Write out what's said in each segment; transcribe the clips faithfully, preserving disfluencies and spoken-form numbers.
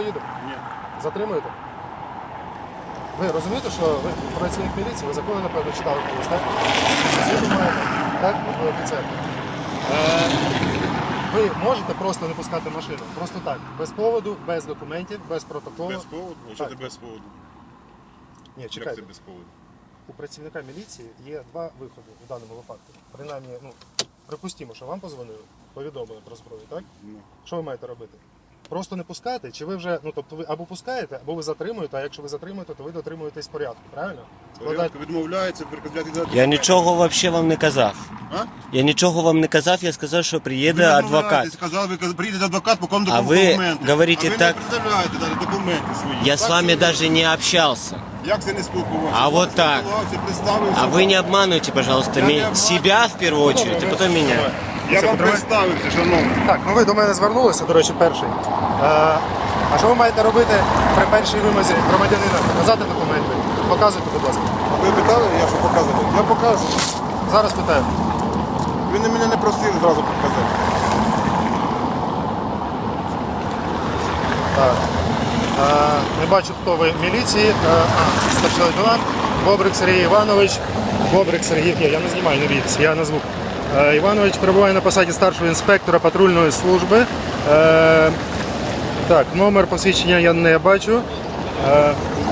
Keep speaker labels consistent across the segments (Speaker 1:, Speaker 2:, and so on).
Speaker 1: поїдемо?
Speaker 2: Ні.
Speaker 1: Затримуєте? Ви розумієте, що ви працівник міліції, ви закони, напевно, читали колись, так? Світу маєте, так? Ви офіцер. Е, ви можете просто не пускати машину? Просто так, без поводу, без документів, без протоколу?
Speaker 2: Без поводу? А що ти без поводу?
Speaker 1: Ні,
Speaker 2: Як
Speaker 1: чекайте.
Speaker 2: це без поводу?
Speaker 1: У працівника міліції є два виходи у даному випадку. Принаймні, ну, припустімо, що вам позвонили, повідомили про зброю, так?
Speaker 2: Ну.
Speaker 1: Що ви маєте робити? Просто не пускати, чи ви вже, ну тобто ви або пускаєте, або ви затримуєте, а якщо ви затримуєте, то ви дотримуєтесь порядку, правильно?
Speaker 2: Порядку відмовляється, перекладати.
Speaker 3: Я нічого вообще вам не казав.
Speaker 2: А?
Speaker 3: Я нічого вам не казав, я сказав, що приїде
Speaker 2: Ви
Speaker 3: адвокат.
Speaker 2: відмовляєтесь, сказав, ви приїде адвокат, по кому
Speaker 3: А ви
Speaker 2: документи.
Speaker 3: говорите
Speaker 2: а ви
Speaker 3: так-
Speaker 2: не представляєте навіть документи свої.
Speaker 3: Я
Speaker 2: Так,
Speaker 3: с вами
Speaker 2: що ви-
Speaker 3: даже не общался.
Speaker 2: Як це не спілкувався?
Speaker 3: А вот так.
Speaker 2: Представився.
Speaker 3: А вы не обманывайте, пожалуйста,
Speaker 2: Я не
Speaker 3: ми-
Speaker 2: обманываю.
Speaker 3: себя в первую очередь, а потом меня.
Speaker 2: Я
Speaker 1: Це
Speaker 2: вам
Speaker 1: потім-
Speaker 2: представився, шановний.
Speaker 1: Так, ну ви до мене звернулися, до речі, перший. Е, а що ви маєте робити при першій вимозі громадянина? Показати документи? Показуйте, будь ласка.
Speaker 2: Ви питали, я що показувати? Я покажу.
Speaker 1: Зараз питаю.
Speaker 2: Ви не мене не просили зразу показати.
Speaker 1: Так. Е, не бачу, хто ви в міліції. Е, а, старший лейтенант. Бобрик Сергій Іванович. Бобрик Сергій, ні, я не знімаю, не бійтесь, я назву. Е, Іванович перебуває на посаді старшого інспектора патрульної служби. Е, так, номер посвідчення я не бачу. Е,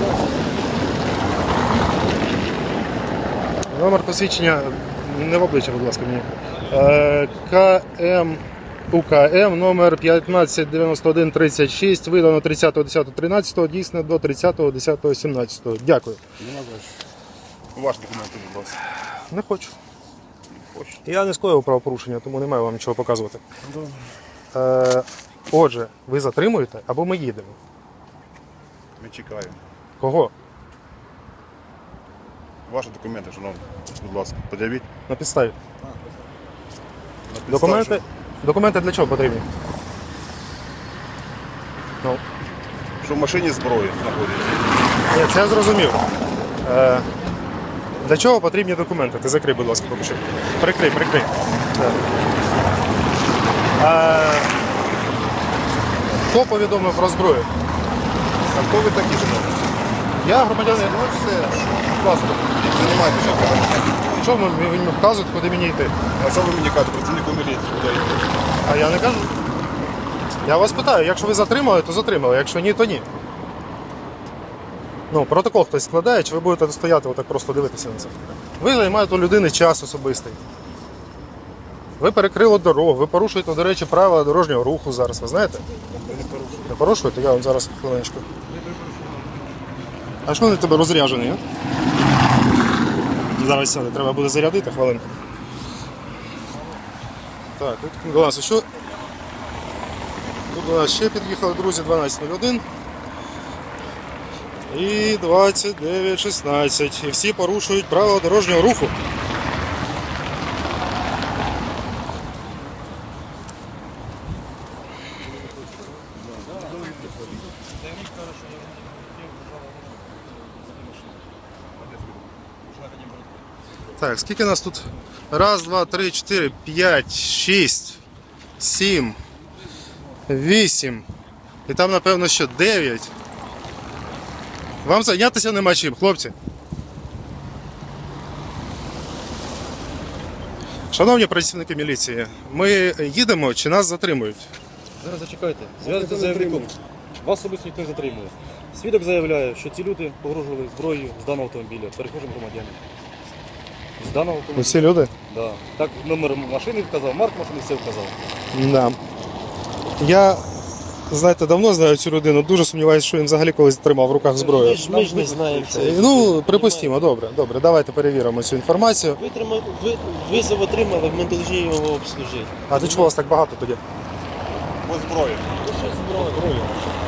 Speaker 1: номер посвідчення, не в обличчя, будь ласка, мені. Е, КМ УКМ номер п'ятнадцять дев'яносто один тридцять шість, видано тридцятого десятого тринадцятого, дійсно до тридцятого десятого сімнадцятого. Дякую.
Speaker 2: Ваші документи, будь ласка.
Speaker 1: Не хочу. Я не скоїв правопорушення, тому не маю вам нічого показувати. Е, отже, ви затримуєте або ми їдемо?
Speaker 2: Ми чекаємо.
Speaker 1: Кого?
Speaker 2: Ваші документи, шановний. Будь ласка, подивіть.
Speaker 1: На підставі.
Speaker 2: На підставі,
Speaker 1: Документи, документи для чого потрібні? Ну,
Speaker 2: Що, що в машині зброї знаходиться.
Speaker 1: ні, це я зрозумів. Е, для чого потрібні документи? Ти закрий, будь ласка, поки що. Прикрий, прикрий. Так. Е, хто повідомив про зброю?
Speaker 2: А хто ви такі, шановний?
Speaker 1: Я громадянин.
Speaker 2: Ну все, будь ласка, займайтеся.
Speaker 1: Що ви мені вказуєте, куди мені йти?
Speaker 2: А що ви мені кажете, працівнику міліції, куди йти?
Speaker 1: А я не кажу. Я вас питаю, якщо ви затримали, то затримали, якщо ні, то ні. Ну, протокол хтось складає, чи ви будете стояти отак просто дивитися на це? Ви займаєте у людини час особистий. Ви перекрили дорогу, ви порушуєте, до речі, правила дорожнього руху зараз, ви знаєте? Не порушуєте? Я вам зараз хвилиночку. А що вони тебе розряджений, а? Зараз сяде, треба буде зарядити хвилинку. Так, тут до нас що? Тут до нас ще під'їхали, друзі, дванадцять нуль один і двадцять дев'ять шістнадцять. І всі порушують правила дорожнього руху. Так, скільки нас тут? Раз, два, три, чотири, п'ять, шість, сім, вісім. І там, напевно, ще дев'ять. Вам зайнятися нема чим, хлопці. Шановні працівники міліції, ми їдемо чи нас затримують?
Speaker 4: Зараз зачекайте. Зв'язку з заявником. Вас особисто ніхто не затримує. Свідок заявляє, що ці люди погрожували зброєю з даного автомобіля, перехожим громадянам. З даного автомобіля.
Speaker 1: Усі люди?
Speaker 4: Да. Так, номер машини вказав, марк машини все вказав.
Speaker 1: Да. Я, знаєте, давно знаю цю людину, дуже сумніваюся, що він взагалі колись тримав в руках зброю.
Speaker 5: Ми ж, ми ж не знаємо це.
Speaker 1: Ну, припустимо, добре, добре, давайте перевіримо цю інформацію.
Speaker 5: Ви, трима- ви визов отримали, ми повинні його обслужити.
Speaker 1: А до чого вас так багато тоді?
Speaker 2: Бо зброї.
Speaker 5: Ну що зброя?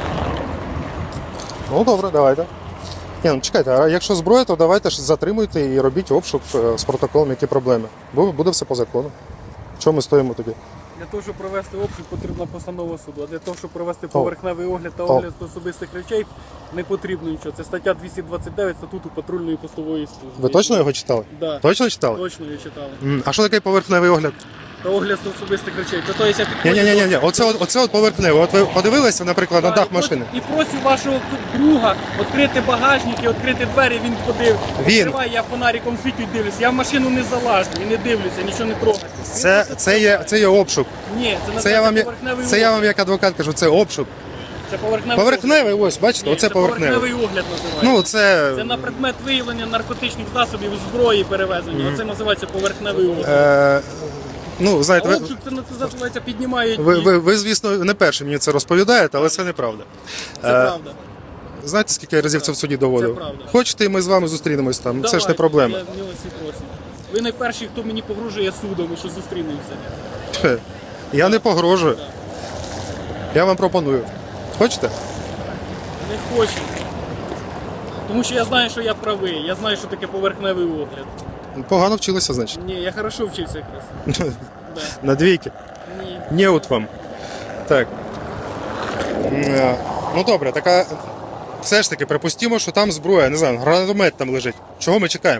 Speaker 1: Ну добре, давайте. Ні, ну чекайте, а якщо зброя, то давайте ж затримуйте і робіть обшук е, з протоколом, які проблеми. Бо буде все по закону. Чому ми стоїмо тоді?
Speaker 6: Для того, щоб провести обшук, потрібна постанова суду. А для того, щоб провести поверхневий огляд та
Speaker 1: О.
Speaker 6: огляд особистих речей, не потрібно нічого. Це стаття двісті двадцять дев'ять статуту патрульної постової служби.
Speaker 1: Ви точно його читали?
Speaker 6: Да.
Speaker 1: Точно читали?
Speaker 6: Точно я читали.
Speaker 1: М, А що таке поверхневий огляд?
Speaker 6: Та огляд особистих речей. Це, то є, я
Speaker 1: Ні,
Speaker 6: підходжу
Speaker 1: ні, ні,
Speaker 6: до-
Speaker 1: ні, оце, от- оце от поверхнево. От ви подивилися, наприклад, на
Speaker 6: Да,
Speaker 1: дах
Speaker 6: і прос-
Speaker 1: машини.
Speaker 6: І просю вашого друга відкрити багажник і відкрити двері, він подив.
Speaker 1: Він.
Speaker 6: Відкриває, я фонариком світю і дивлюся. Я в машину не залажу і не дивлюся, нічого не трогаю. Він
Speaker 1: Це,
Speaker 6: просто
Speaker 1: це, є, це є обшук.
Speaker 6: Ні, це,
Speaker 1: Це я вам,
Speaker 6: називається
Speaker 1: як-
Speaker 6: поверхневий
Speaker 1: це я
Speaker 6: огляд.
Speaker 1: вам як адвокат кажу, це обшук.
Speaker 6: Це поверхневий,
Speaker 1: Поверхневий, ось, бачите,
Speaker 6: Ні,
Speaker 1: оце
Speaker 6: це
Speaker 1: поверхневий.
Speaker 6: поверхневий огляд називається.
Speaker 1: Ну, це,
Speaker 6: Це на предмет виявлення наркотичних засобів, зброї перевезення. Оце називається поверхневий огляд.
Speaker 1: е, ну,
Speaker 6: А
Speaker 1: знаєте, ви,
Speaker 6: обшук це називається піднімають.
Speaker 1: ви,
Speaker 6: і-
Speaker 1: ви, ви, звісно, не перші мені це розповідаєте, але це неправда.
Speaker 6: Це
Speaker 1: Е,
Speaker 6: правда.
Speaker 1: Знаєте, скільки я разів це в суді доводив?
Speaker 6: Це правда.
Speaker 1: Хочете, і ми з вами зустрінемось там, це ж не
Speaker 6: Давайте,
Speaker 1: проблема.
Speaker 6: Я милості просимо. Ви найперші, хто мені погрожує судом, і що зустрінемося.
Speaker 1: Хе, Я не погрожую. Я вам пропоную. Хочете?
Speaker 6: Не хочу. Тому що я знаю, що я правий. Я знаю, що таке поверхневий огляд.
Speaker 1: Погано вчилися, значить.
Speaker 6: Ні, я хорошо вчився якраз. Да.
Speaker 1: На двійки.
Speaker 6: Ні.
Speaker 1: Не от вам. Так. Е, Ну добре, така. Все ж таки, припустимо, що там зброя, не знаю, гранатомет там лежить. Чого ми чекаємо?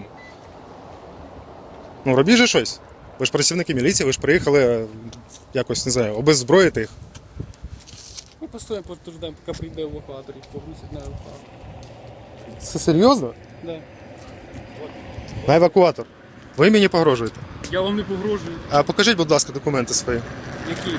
Speaker 1: Ну, робіть же щось. Ви ж працівники міліції, ви ж приїхали е, якось, не знаю, обеззброїти їх.
Speaker 6: Ми постоїмо, подождемо, поки прийде евакуатор і погрузить на евакуатор.
Speaker 1: Це серйозно?
Speaker 6: Да.
Speaker 1: На евакуатор. Ви мені погрожуєте.
Speaker 6: Я вам не погрожую.
Speaker 1: А покажіть, будь ласка, документи свої.
Speaker 6: Які?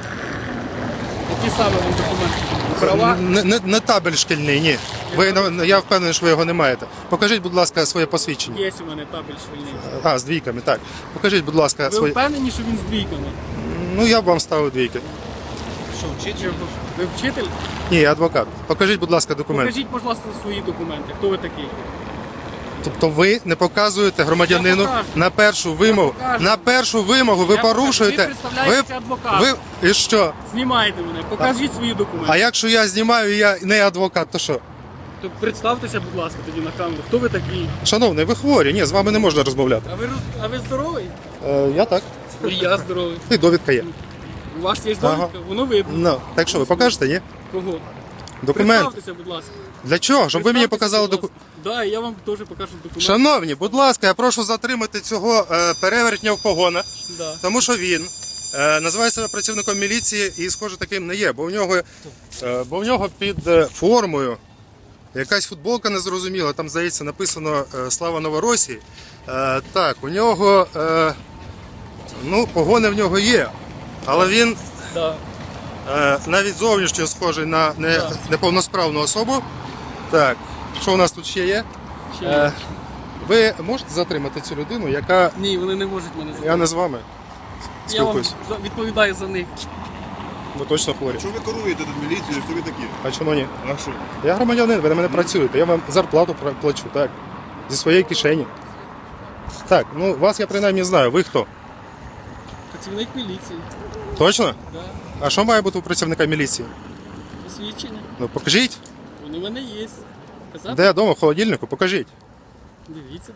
Speaker 6: Які саме вам документи? Права?
Speaker 1: Не, не, не табель шкільний, ні. Ви, ну, я впевнений, що ви його не маєте. Покажіть, будь ласка, своє посвідчення.
Speaker 6: Є у мене табель швильний.
Speaker 1: А, з двійками, так. Покажіть, будь ласка,
Speaker 6: Ви
Speaker 1: своє.
Speaker 6: впевнені, що він з двійками?
Speaker 1: Ну, я б вам ставив двійки.
Speaker 6: Що, вчитель? Ви вчитель?
Speaker 1: Ні, я адвокат. Покажіть, будь ласка, документи.
Speaker 6: Покажіть, будь ласка, свої документи. Хто ви такий?
Speaker 1: Тобто ви не показуєте громадянину
Speaker 6: Я покажу.
Speaker 1: на першу вимогу.
Speaker 6: покажу.
Speaker 1: На першу вимогу ви
Speaker 6: Я покажу.
Speaker 1: порушуєте.
Speaker 6: Ви представляєтеся адвокатом.
Speaker 1: ви і що?
Speaker 6: Знімайте мене, покажіть свої документи.
Speaker 1: А якщо я знімаю, і я не адвокат, то що?
Speaker 6: То представтеся, будь ласка, тоді на камеру. Хто ви такий?
Speaker 1: Шановний, ви хворі, ні, з вами не можна розмовляти.
Speaker 6: А ви, роз- а ви здоровий?
Speaker 1: Е, я так.
Speaker 6: І я здоровий.
Speaker 1: І довідка є.
Speaker 6: У вас є
Speaker 1: Ага.
Speaker 6: довідка? Воно видно.
Speaker 1: Ну, так що ви покажете, ні?
Speaker 6: Кого?
Speaker 1: Документ.
Speaker 6: Представтеся, будь ласка.
Speaker 1: Для чого? Щоб ви мені
Speaker 6: Представтеся,
Speaker 1: показали
Speaker 6: будь
Speaker 1: документ.
Speaker 6: ласка. Да, і я вам теж покажу документи.
Speaker 1: Шановні, будь ласка, я прошу затримати цього е, перевертня в погонах,
Speaker 6: Да.
Speaker 1: тому що він е, називає себе працівником міліції і, схоже, таким не є, бо в нього, е, бо в нього під е, формою якась футболка незрозуміла, там, здається, написано е, Слава Новоросії. Е, так, у нього, е, ну, погони в нього є, але він
Speaker 6: Да.
Speaker 1: е, навіть зовнішньо схожий на не,
Speaker 6: Так.
Speaker 1: неповносправну особу. Так, що у нас тут ще є?
Speaker 6: Ще
Speaker 1: Е,
Speaker 6: є.
Speaker 1: ви можете затримати цю людину, яка.
Speaker 6: Ні, вони не можуть мене
Speaker 1: Я не з вами
Speaker 6: Я вам
Speaker 1: спілкуюсь.
Speaker 6: за- відповідаю за них.
Speaker 1: Ви точно хворі.
Speaker 2: Що ви керуєте тут міліцією, хто ви такі?
Speaker 1: А чому ні?
Speaker 2: А що?
Speaker 1: Я громадянин, ви на мене працюєте. Я вам зарплату пра- плачу, так. Зі своєї кишені. Так, ну вас я принаймні знаю. Ви хто?
Speaker 6: Працівник міліції.
Speaker 1: Точно?
Speaker 6: Да.
Speaker 1: А що має бути у працівника міліції?
Speaker 6: Посвідчення.
Speaker 1: Ну покажіть.
Speaker 6: Вони в мене є. Казати?
Speaker 1: Де вдома, в холодильнику, покажіть.
Speaker 6: Дивіться.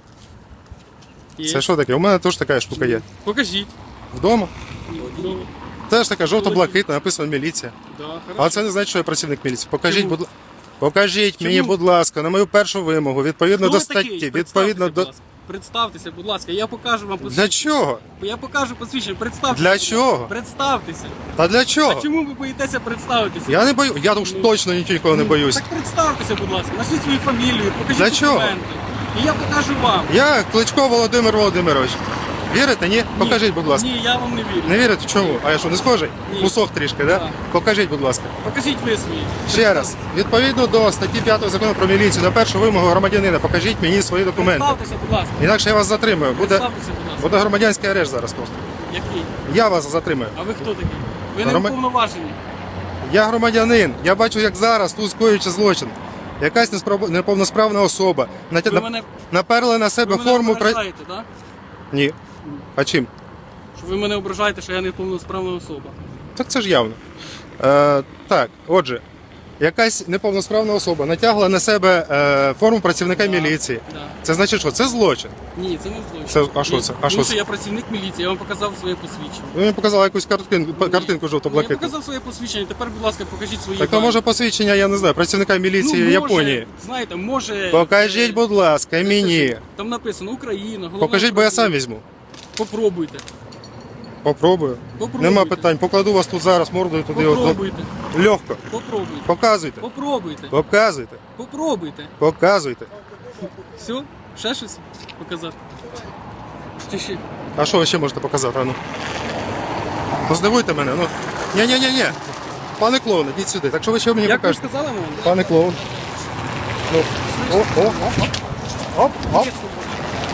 Speaker 6: Є.
Speaker 1: Це що таке? У мене теж така штука є.
Speaker 6: Покажіть.
Speaker 1: Вдома.
Speaker 6: Ну,
Speaker 1: Теж така жовто-блакитна, написано міліція.
Speaker 6: да, хорошо.
Speaker 1: Але це не значить, що я працівник міліції. Покажіть,
Speaker 6: Чому?
Speaker 1: будь ласка. Покажіть
Speaker 6: Чому?
Speaker 1: мені, будь ласка, на мою першу вимогу, відповідно
Speaker 6: Хто
Speaker 1: до
Speaker 6: ви такий?
Speaker 1: статті,
Speaker 6: Представтеся,
Speaker 1: відповідно
Speaker 6: будь
Speaker 1: до.
Speaker 6: ласка. Представтеся, будь ласка, я покажу вам
Speaker 1: Для
Speaker 6: посвідчення.
Speaker 1: чого?
Speaker 6: Я покажу посвідчення, представтеся.
Speaker 1: Для
Speaker 6: будь ласка.
Speaker 1: чого?
Speaker 6: Представтеся.
Speaker 1: Та для
Speaker 6: А
Speaker 1: чого?
Speaker 6: чому ви боїтеся представитися?
Speaker 1: Я не бою, я уж
Speaker 6: Ну,
Speaker 1: точно нічого не
Speaker 6: Ну,
Speaker 1: боюсь.
Speaker 6: Так представтеся, будь ласка, назвіть свою фамілію, покажіть
Speaker 1: Для чого?
Speaker 6: документи. І я покажу вам.
Speaker 1: Я Кличко Володимир Володимирович. Вірите, ні? Покажіть, будь ласка.
Speaker 6: Ні, я вам не вірю.
Speaker 1: Не вірите? Чому? А я що, не схожий?
Speaker 6: Ні.
Speaker 1: Кусок трішки, да?
Speaker 6: Так.
Speaker 1: Покажіть, будь ласка.
Speaker 6: Покажіть ви свої.
Speaker 1: Ще раз. Відповідно до статті п'ятої закону про міліцію, на першу вимогу громадянина, покажіть мені свої документи.
Speaker 6: Представтеся, будь ласка.
Speaker 1: Інакше я вас затримую. Буде,
Speaker 6: Представтеся, будь ласка.
Speaker 1: буде громадянський арешт зараз просто.
Speaker 6: Який?
Speaker 1: Я вас затримую.
Speaker 6: А ви хто такий? Ви не
Speaker 1: Грома-
Speaker 6: уповноважені.
Speaker 1: Я громадянин. Я бачу, як зараз тут скоюючи злочин. Якась неспроб- неповносправна особа. Натя...
Speaker 6: Ви
Speaker 1: нап-
Speaker 6: мене,
Speaker 1: Наперли на себе
Speaker 6: ви мене
Speaker 1: форму. Пра...
Speaker 6: ображаєте, так?
Speaker 1: Ні. А чим?
Speaker 6: Що ви мене ображаєте, що я не повносправна особа.
Speaker 1: Так це ж явно. Е, так, отже, якась неповносправна особа натягла на себе е, форму працівника
Speaker 6: Да,
Speaker 1: міліції.
Speaker 6: да.
Speaker 1: Це значить, що це злочин.
Speaker 6: Ні, це не злочин.
Speaker 1: Це- а що
Speaker 6: Ні,
Speaker 1: це? А
Speaker 6: Тому
Speaker 1: що
Speaker 6: що
Speaker 1: це?
Speaker 6: я працівник міліції, я вам показав своє посвідчення.
Speaker 1: Ви мені показали якусь картинку, картинку
Speaker 6: Ну, я
Speaker 1: жовто-блакитну.
Speaker 6: показав своє посвідчення, тепер, будь ласка, покажіть свої
Speaker 1: Так то
Speaker 6: дані.
Speaker 1: може посвідчення, я не знаю, працівника міліції
Speaker 6: ну, може,
Speaker 1: Японії.
Speaker 6: Знаєте, може...
Speaker 1: Покажіть, будь ласка, мені.
Speaker 6: Там написано Україна, головне...
Speaker 1: Покажіть, бо я сам візьму.
Speaker 6: Попробуйте.
Speaker 1: Попробую.
Speaker 6: Попробуйте.
Speaker 1: Нема питань. Покладу вас тут зараз мордою туди. от,
Speaker 6: Попробуйте.
Speaker 1: ну, Легко.
Speaker 6: Попробуйте.
Speaker 1: Показуйте.
Speaker 6: Попробуйте.
Speaker 1: Показуйте.
Speaker 6: Попробуйте.
Speaker 1: Показуйте.
Speaker 6: Все? Ще щось показати? Чи ще?
Speaker 1: А що ви ще можете показати? А ну. Ну здивуйте мене. Ну. Ні-ні-ні-ні. Пане клоун, ідіть сюди. Так що ви ще мені
Speaker 6: Як ви
Speaker 1: покажете?
Speaker 6: сказали мені?
Speaker 1: Пане клоун. Ну. О, о, о. Оп, оп.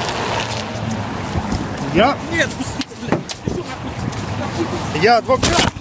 Speaker 1: Я,
Speaker 6: Ні,
Speaker 1: я адвокат.